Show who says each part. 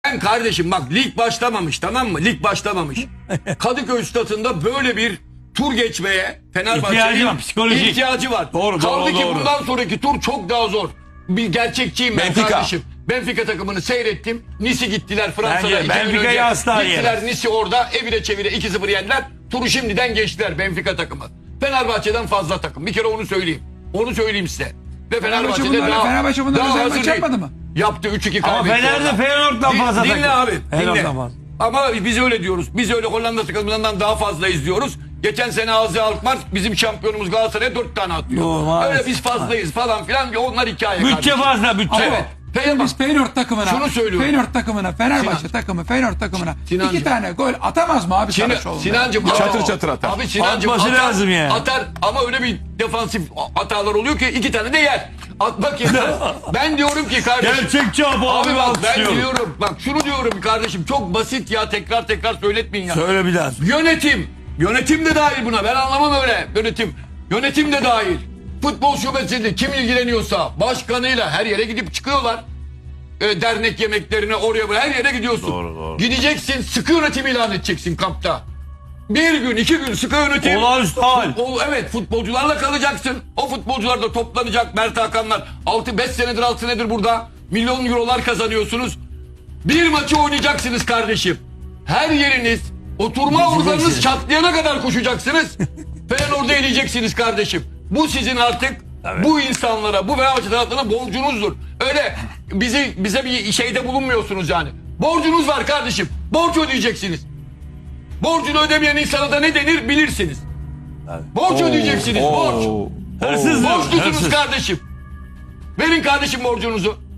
Speaker 1: Ben kardeşim bak lig başlamamış, tamam mı? Lig başlamamış. Kadıköy Stadı'nda böyle bir tur geçmeye
Speaker 2: İhtiyacı
Speaker 1: Fenerbahçe'nin
Speaker 2: var, psikolojik.
Speaker 1: ihtiyacı var.
Speaker 2: Doğru,
Speaker 1: Kaldı ki
Speaker 2: doğru.
Speaker 1: bundan sonraki tur çok daha zor. Bir gerçekçiyim ben
Speaker 3: Benfica.
Speaker 1: kardeşim. Benfica takımını seyrettim. Nice gittiler Fransa'da.
Speaker 2: Bence
Speaker 1: 2 gün
Speaker 2: Benfica'yı
Speaker 1: önce.
Speaker 2: asla
Speaker 1: Gittiler
Speaker 2: yemez.
Speaker 1: Nice orada evire çevire 2-0 yendiler. Turu şimdiden geçtiler Benfica takımı. Fenerbahçe'den fazla takım. Bir kere onu söyleyeyim. Onu söyleyeyim size. Ve Fenerbahçe'de
Speaker 4: Fenerbahçe bunlara
Speaker 1: daha
Speaker 4: özel
Speaker 1: hazır
Speaker 4: maç
Speaker 1: değil.
Speaker 4: yapmadı mı?
Speaker 1: Yaptı 3-2
Speaker 2: Ama
Speaker 1: kaybetti.
Speaker 2: Fener'de
Speaker 1: orada.
Speaker 2: Feyenoord'dan fazla
Speaker 1: Dinle
Speaker 2: takım.
Speaker 1: abi. Dinle.
Speaker 2: Feyenoord'dan fazla.
Speaker 1: Ama biz öyle diyoruz. Biz öyle Hollanda takımlarından daha fazla izliyoruz. Geçen sene Azi Alkmaar bizim şampiyonumuz Galatasaray'a 4 tane atıyor.
Speaker 2: Doğru, maalesef.
Speaker 1: Öyle biz fazlayız falan filan. Onlar hikaye
Speaker 2: Bütçe
Speaker 1: kardeşim.
Speaker 2: fazla, bütçe.
Speaker 1: Evet.
Speaker 4: Biz Feyenoord takımına,
Speaker 1: Şunu söylüyorum.
Speaker 4: Fenerbahçe
Speaker 1: Sinan.
Speaker 4: takımı, Feyenoord takımına
Speaker 1: Sinancım.
Speaker 4: 2 tane gol atamaz mı abi Saraçoğlu?
Speaker 1: Sinancım
Speaker 3: Çatır çatır atar.
Speaker 1: Abi Sinancım
Speaker 2: Atması
Speaker 1: atar,
Speaker 2: lazım yani.
Speaker 1: atar ama öyle bir defansif hatalar oluyor ki 2 tane de yer. Atmak yeter. Ben diyorum ki kardeşim.
Speaker 2: Gerçekçi abi
Speaker 1: Abi bak ben
Speaker 2: alkışlıyorum.
Speaker 1: diyorum. Bak şunu diyorum kardeşim. Çok basit ya, tekrar söyletmeyin ya.
Speaker 2: Söyle bir daha.
Speaker 1: Yönetim de dahil buna. Ben anlamam öyle yönetim. Yönetim de dahil. Futbol şubesinde kim ilgileniyorsa başkanıyla her yere gidip çıkıyorlar. Dernek yemeklerine oraya buraya her yere gidiyorsun.
Speaker 2: Doğru.
Speaker 1: Gideceksin, sıkı yönetim ilan edeceksin kampta. 1 gün 2 gün sıkı yönetim.
Speaker 2: Olağanüstü hal.
Speaker 1: Evet, futbolcularla kalacaksın. O futbolcular da toplanacak. Mert Hakanlar 5 senedir 6 senedir burada. Milyon eurolar kazanıyorsunuz. Bir maçı oynayacaksınız kardeşim. Her yeriniz, oturma organınız çatlayana kadar koşacaksınız. Feyenoord'u eleyeceksiniz kardeşim. Bu sizin artık bu insanlara, bu Fenerbahçe taraftarına borcunuzdur. Öyle bize bir şeyde bulunmuyorsunuz yani. Borcunuz var kardeşim. Borç ödeyeceksiniz. Borcunu ödemeyen insana da ne denir bilirsiniz. Borç ödeyeceksiniz, borç.
Speaker 2: Hırsız.
Speaker 1: Borçlusunuz
Speaker 2: Hırsız.
Speaker 1: kardeşim. Verin kardeşim borcunuzu.